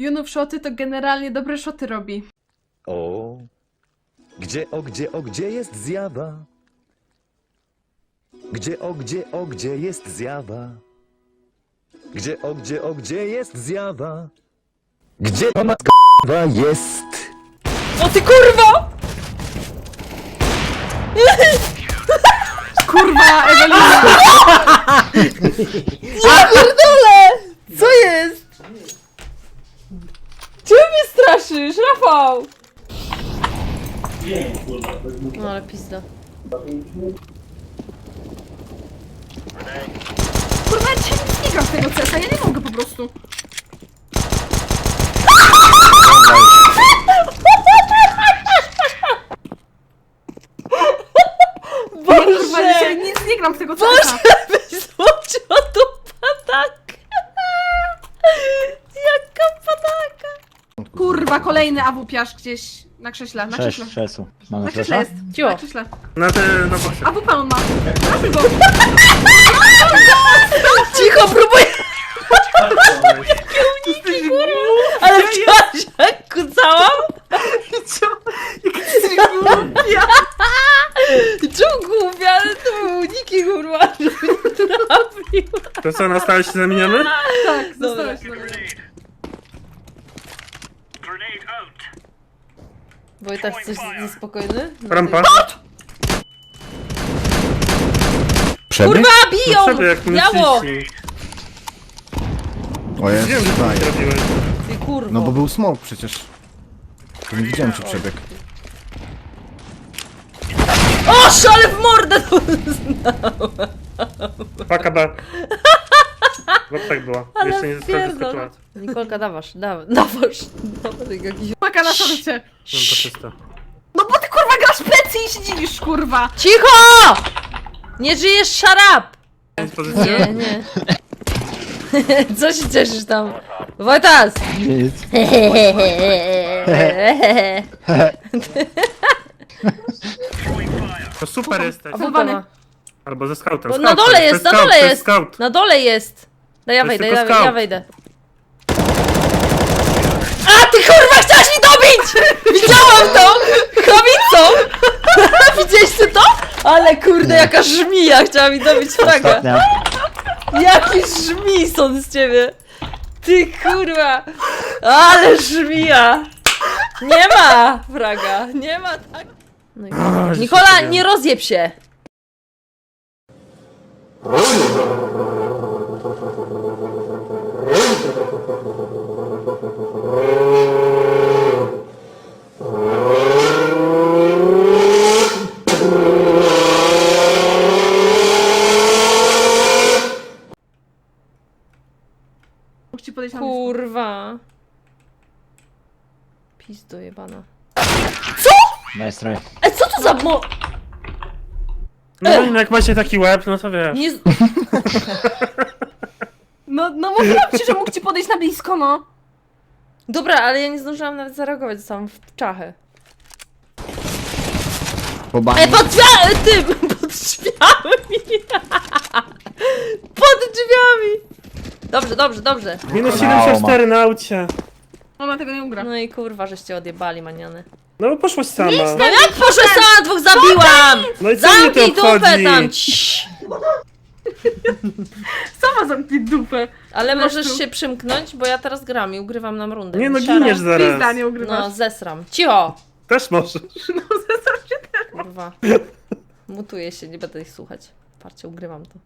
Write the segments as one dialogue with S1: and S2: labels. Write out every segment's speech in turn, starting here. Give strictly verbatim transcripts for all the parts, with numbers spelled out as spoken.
S1: Junów szoty to generalnie dobre szoty robi.
S2: O, gdzie, o, gdzie, o, gdzie jest zjawa? Gdzie, o, gdzie, o, gdzie jest zjawa? Gdzie, o, gdzie, o, gdzie jest zjawa? Gdzie ta matka jest?
S3: O ty kurwo!
S1: Kurwa, Ewelina!
S3: Ja pierdolę! Co jest? Czemu mnie straszysz, Rafał? No ale pizda.
S1: Kurwa, ja dzisiaj nic nie gram w tego C S a, ja nie mogę po prostu. Ja, kurwa, dzisiaj
S3: Boże!
S1: nic nie gram w tego C S a.
S3: Boże! Złociła tu patakę! Jaka pataka!
S1: Kurwa, kolejny awupiarz gdzieś na krześle, na krześle.
S4: Sześć krzeseł.
S1: Na
S4: Mamy
S1: krześle
S4: flesza?
S1: jest.
S3: Cicho.
S1: Na krześle.
S5: Na te, na bosie.
S1: Awupa on ma. Trafię go.
S3: Cicho, próbuję! Jakie uniki, kurwa! Ale widziałaś jak kucałam?
S1: Ja.
S3: Czemu głupia, ale to były uniki, kurwa, żeby nie trafił.
S5: To co, na stałe się zamieniamy?
S1: Tak,
S3: Dobra.
S1: zostałeś na mnie.
S3: Wojtek, coś niespokojny? No,
S5: Rampa.
S4: Przebieg?
S3: Kurwa, biją!
S5: Przebieg, jak
S3: Biało!
S5: myślisz.
S4: O jest,
S5: Wiem, że to
S4: daję.
S5: nie robiłeś.
S3: Ty kurwo.
S4: No bo był smok przecież. To nie widziałem czy przebieg.
S3: O, szale w mordę! to-
S5: Paka B. Bo tak była.
S3: Ale
S5: Jeszcze nie została
S3: pierdol.
S5: zaskoczyła.
S3: Nikolka, dawasz, dawasz, dawasz. Dawasz jakiś...
S1: Paka na szorcie.
S5: Mam to czysto.
S1: No bo ty kurwa grasz plecy i się dziwisz, kurwa.
S3: Cicho! Nie żyjesz, szarap!
S5: Pozycja?
S3: Nie, nie. Co się cieszysz tam? Wojtas!
S4: Nic.
S5: To super jesteś.
S3: A Wojtana.
S5: Albo ze scoutem.
S3: Bo
S5: Scout
S3: na
S5: to
S3: dole
S5: to
S3: jest, na
S5: scout,
S3: dole
S5: to
S3: jest!
S5: Scout.
S3: Na dole jest! Daj, ja
S5: To jest
S3: wejdę, ja,
S5: tylko
S3: ja
S5: scout.
S3: wejdę. A ty kurwa chciałaś mi dobić! Widziałam to! Kobicą! Widzieliście to? Ale kurde, jaka żmija chciała mi dobić fraga.
S4: Ostatnia.
S3: Jaki żmison z ciebie! Ty kurwa! Ale żmija! Nie ma fraga! Nie ma tak! No i...
S5: O, że
S3: Nikola,
S5: się
S3: nie rozjeb się!
S1: Mógł ci podejść na blisko.
S3: Kurwa. Pizdo jebana.
S4: Nice try.
S3: E, co to za mo...
S5: No i jak macie taki łeb, no to wiesz.
S3: Nie... z-
S1: No, no mówiłam ci, że mógł ci podejść na blisko, no.
S3: Dobra, ale ja nie zdążyłam nawet zareagować, zostałam w czachę.
S4: Po
S3: E,
S4: bani.
S3: pod drzwiami! Tym! Pod drzwiami! Pod drzwiami! Dobrze, dobrze, dobrze.
S5: Minus siedemdziesiąt cztery na aucie.
S1: Ona tego nie ugra.
S3: No i kurwa, żeście odjebali, maniany.
S5: No bo poszłaś sama.
S3: No jak proszę, sama dwóch zabiłam!
S5: No i co mnie to
S3: Zamknij dupę
S5: obchodzi?
S3: tam! Ciii.
S1: Sama zamknij dupę.
S3: Ale
S1: Masz
S3: możesz
S1: tu.
S3: się przymknąć, bo ja teraz gram i ugrywam nam rundę.
S5: Nie no,
S3: Siara.
S5: giniesz zaraz.
S1: Pizda nie ugrywasz.
S3: No, zesram. Cicho!
S5: Też możesz.
S1: No, zestaw się też.
S3: Kurwa. Mutuję się, nie będę ich słuchać. Parcie, ugrywam to.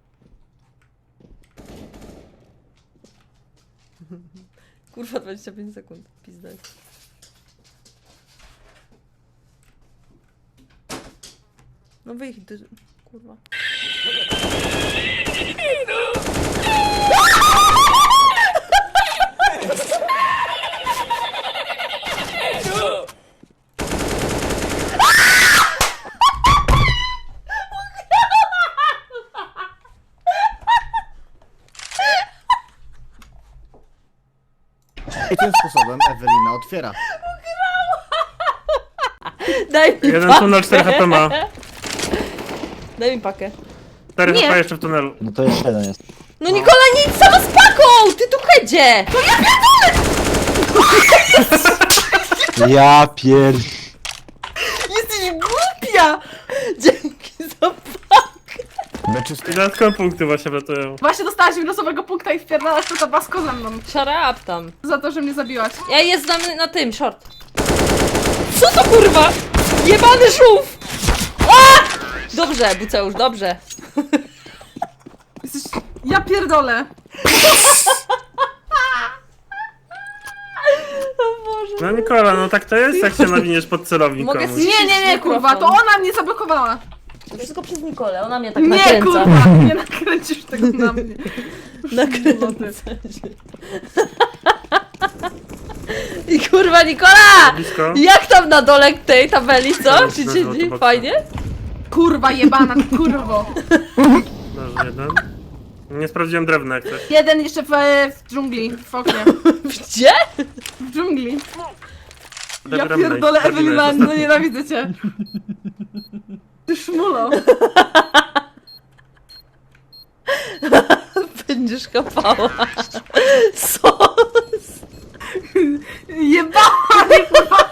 S3: Kurwa, dwadzieścia pięć sekund. Pizda jest. No wyjdź, ty... kurwa.
S4: I tym sposobem Ewelina otwiera.
S3: Daj mi
S5: Jeden
S3: pakę.
S5: tunel, cztery H P ma.
S3: Daj mi pakę.
S5: cztery
S1: Nie.
S5: H P jeszcze w tunelu.
S4: No to jeszcze jeden jest.
S3: No Nikola, nie idź sama z paką! Ty tu hedzie! No ja pierdolę!
S4: Ja pier...
S3: Jesteś głupia! Dzięki za pakę.
S4: Meczy
S5: I dodatkowe punkty właśnie wlatują.
S1: Właśnie dostałaś losowego punkta i wpierdalasz to tabasko ze mną.
S3: Shut up tam.
S1: Za to, że mnie zabiłaś.
S3: Ja jest na, na tym, short. Co to kurwa? Jebany żółw! A! Dobrze, Buceusz, dobrze.
S1: Jesteś... Ja pierdolę.
S3: O Boże.
S5: No Nikola, no tak to jest, jak się nawiniesz pod celownik
S3: Mogę
S5: komuś.
S3: zjeść-
S1: Nie, nie, nie, kurwa, to ona mnie zablokowała.
S3: To wszystko przez Nikolę, ona mnie tak
S1: Nie,
S3: nakręca.
S1: kurwa, nie nakręcisz tego na mnie.
S3: Nakręca się. I kurwa Nikola!
S5: Blisko.
S3: Jak tam na dole tej tabeli, co?
S5: Teraz
S3: Czy
S5: bez
S3: ci
S5: autoboksa.
S3: fajnie?
S1: Kurwa jebana, kurwo.
S5: Dobrze, jeden. Nie sprawdziłem drewna jak coś.
S1: Jeden jeszcze w, w dżungli, w oknie.
S3: Gdzie?
S1: W dżungli. Ja
S5: Dobra,
S1: pierdolę,
S5: dobra,
S1: Ewelina,
S5: dobra.
S1: no nienawidzę cię. Ty szmulo.
S3: Będziesz kapała. Co?
S1: Jebała mnie, kurwa.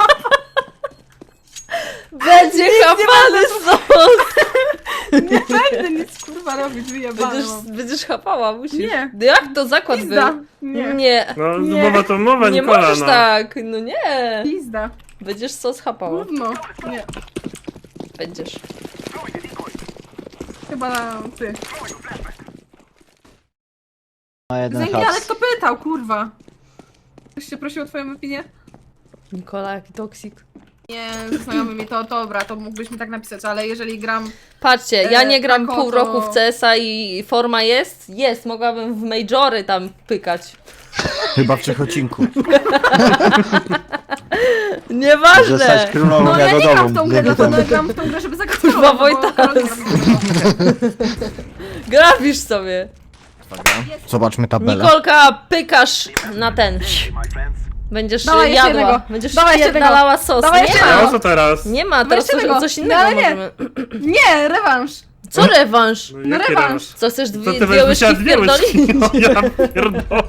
S3: Będzie kapany sos!
S1: Nie będę nic kurwa robić, wyjebana
S3: Będziesz,
S1: mam.
S3: będziesz chapała, musisz.
S1: Nie.
S3: No jak to zakład
S1: Pizda.
S3: był?
S1: Nie.
S3: Nie.
S5: No,
S1: Nie.
S5: mowa to mowa,
S3: Nie
S5: Nikola,
S3: możesz
S5: no.
S3: tak, no nie.
S1: Pizda.
S3: Będziesz sos chapała.
S1: Gówno. Nie.
S3: Będziesz.
S1: Chyba ty.
S4: Ma jeden
S1: Zęgi, ale
S4: haps.
S1: kto pytał, kurwa? Ktoś cię prosił o twoją opinię?
S3: Nikola, jaki toksik.
S1: Nie, ze znajomymi to dobra, to mógłbyś mi tak napisać, ale jeżeli gram...
S3: Patrzcie, ja
S1: E,
S3: nie gram
S1: tako
S3: pół
S1: to-
S3: roku w C S a i forma jest? Jest, mogłabym w majory tam pykać.
S4: Chyba w Czechocinku.
S3: Nieważne!
S4: Zostać królową
S1: No ja nie gram w tą grę,
S4: dzięki
S1: dlatego
S4: temu.
S1: gram w tą grę, żeby zagrać
S3: Kurwa,
S1: Karolem, bo
S3: Wojtas.
S1: Karol gra w tą grę.
S3: Grafisz sobie.
S4: Zobaczmy tabelę.
S3: Nikolka, pykasz na ten. Będziesz
S1: Dawaj jeszcze
S3: jadła.
S1: jednego.
S3: Będziesz
S1: Dawaj jeszcze
S3: pierdalała sos.
S1: Dawaj
S3: Nie
S1: jeszcze
S5: A o
S3: ma.
S5: co teraz?
S3: Nie ma, teraz
S1: jeszcze
S3: coś,
S1: tego.
S3: coś
S1: No,
S3: innego
S1: ale nie.
S3: możemy.
S1: Nie, rewanż.
S3: Co rewanż?
S5: No,
S1: No
S5: jaki
S1: rewanż.
S3: Co chcesz
S5: To
S3: dwie,
S5: ty
S3: dwie
S5: weź
S3: łyżki
S5: dwie łyżki.
S3: wpierdolić?
S5: No ja pierdolę.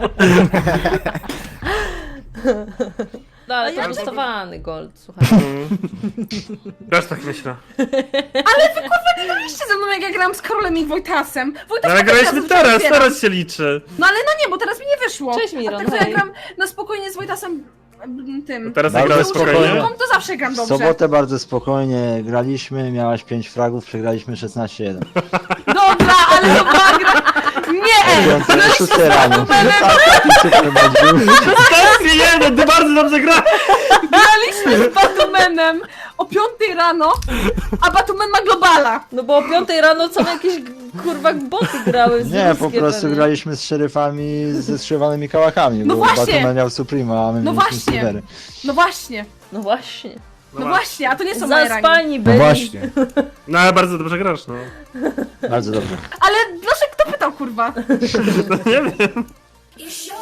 S3: No, ale to
S1: ja-
S3: prostowany gold, słuchaj.
S5: Mm. Też tak myślę.
S1: Graliście ze mną, jak ja grałam z Karolem i Wojtasem.
S5: No
S1: Wojtas
S5: ale
S1: tak
S5: graliśmy
S1: razem
S5: teraz,
S1: otwieram.
S5: teraz się liczy.
S1: No ale no nie, bo teraz mi nie wyszło.
S3: Cześć, Miron,
S1: A tak to ja
S3: hej.
S1: gram na spokojnie z Wojtasem m, tym.
S5: Teraz
S4: Bardzo
S5: zagrałeś
S4: spokojnie.
S5: spokojnie.
S1: Tą to zawsze gram
S4: W
S1: dobrze.
S4: sobotę bardzo spokojnie graliśmy, miałaś pięć fragów, przegraliśmy szesnaście jeden.
S1: Dobra, ale to była gra... Nie!
S4: piątej, szóstej rano. Tak, i super mecz był.
S5: Teraz jeden, ty bardzo dobrze gra.
S1: Graliśmy z Batumenem o piątej rano, a Batumen ma globala.
S3: No bo o piątej rano są jakieś kurwa boty grały. z
S4: Nie, po
S3: ruskie
S4: prostu
S3: pewnie.
S4: graliśmy z szeryfami ze strzywanymi kałachami,
S1: No
S4: bo
S1: właśnie.
S4: Batman miał Suprema, a my
S1: No
S4: mieliśmy
S1: właśnie.
S4: Silvery.
S1: No właśnie,
S3: No właśnie.
S1: no właśnie, a to nie są moje rangi.
S3: Zaspani byli.
S5: No ale bardzo dobrze grasz, no.
S4: Bardzo dobrze.
S1: Ale dlaczego kto pytał, kurwa?
S5: No nie wiem.
S6: You show